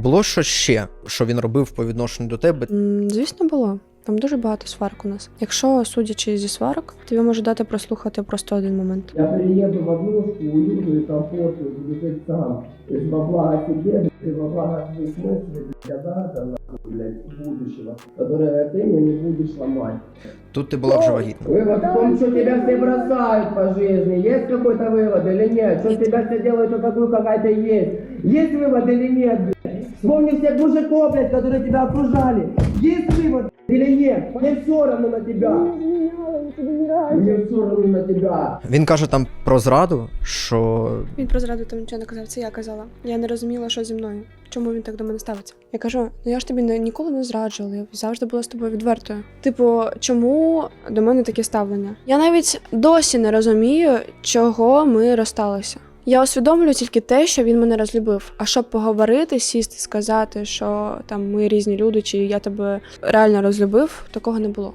Було щось ще, що він робив по відношенню до тебе? Звісно, було. Там дуже багато сварок у нас. Якщо, судячи зі сварок, тобі можу дати прослухати просто один момент. Я приеду в однушку, уютную, комфортную, буду жить сам. То есть во благо себе, и во благо своих мыслей, когда-то, нахуй, блядь, будущего, которое ты мне не будешь ломать. Тут ти була вже вагітна. Вывод в том, что тебя все бросают по жизни. Есть какой-то вывод или нет? Что тебя все делают, то такую какая-то есть. Есть вывод или нет, блядь? Вспомни всех мужиков, блядь, которые тебя окружали. Есть вывод или нет? Мне все равно на тебя. Мне все равно на тебя. Він каже там про зраду, що Він про зраду там нічого не казав, це я казала. Я не розуміла, що зі мною. Чому він так до мене ставиться? Я кажу, ну я ж тобі ніколи не зраджувала, я завжди була з тобою відвертою. Типу, чому до мене таке ставлення? Я навіть досі не розумію, чого ми розсталися. Я усвідомлюю тільки те, що він мене розлюбив. А щоб поговорити, сісти, сказати, що там ми різні люди, чи я тебе реально розлюбив, такого не було.